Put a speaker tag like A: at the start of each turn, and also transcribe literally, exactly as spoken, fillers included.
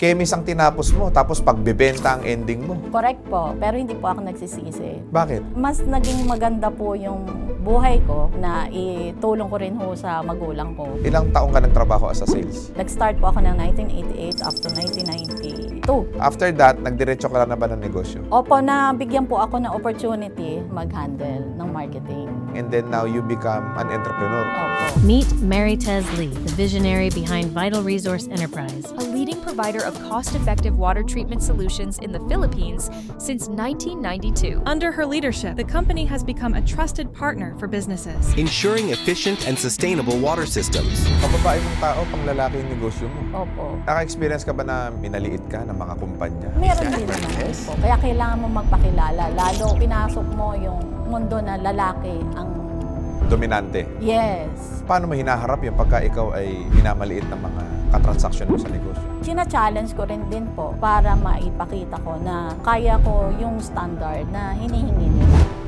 A: Chemist ang tinapos mo, tapos pagbebenta ang ending mo.
B: Correct po, pero hindi po ako nagsisisi.
A: Bakit?
B: Mas naging maganda po yung buhay ko na itulong ko rin ho sa magulang ko.
A: Ilang taong ka nagtrabaho as a sales?
B: Nag-start po ako ng nineteen eighty-eight up to nineteen ninety-two.
A: After that, nagdiretso ka na ba ng negosyo?
B: Opo, nabigyan po ako ng opportunity mag-handle ng marketing.
A: And then now you become an entrepreneur.
B: Opo.
C: Meet Mary Tez Lee, the visionary behind Vital Resource Enterprise.
D: A leading provider of cost-effective water treatment solutions in the Philippines since nineteen ninety-two.
E: Under her leadership, the company has become a trusted partner for businesses.
F: ensuring efficient and sustainable water systems.
A: Pababae mong tao, pang lalaki yung negosyo mo.
B: Opo.
A: Naka-experience ka ba na minaliit ka ng mga kumpanya?
B: Meron din naman po. Kaya kailangan mo magpakilala. Lalo pinasok mo yung mundo na lalaki ang
A: Dominante.
B: yes.
A: Paano mo hinaharap yung pagka ikaw ay minamaliit ng mga katransaksyon mo sa negosyo?
B: Sina-challenge ko rin din po para maipakita ko na kaya ko yung standard na hinihingi nila.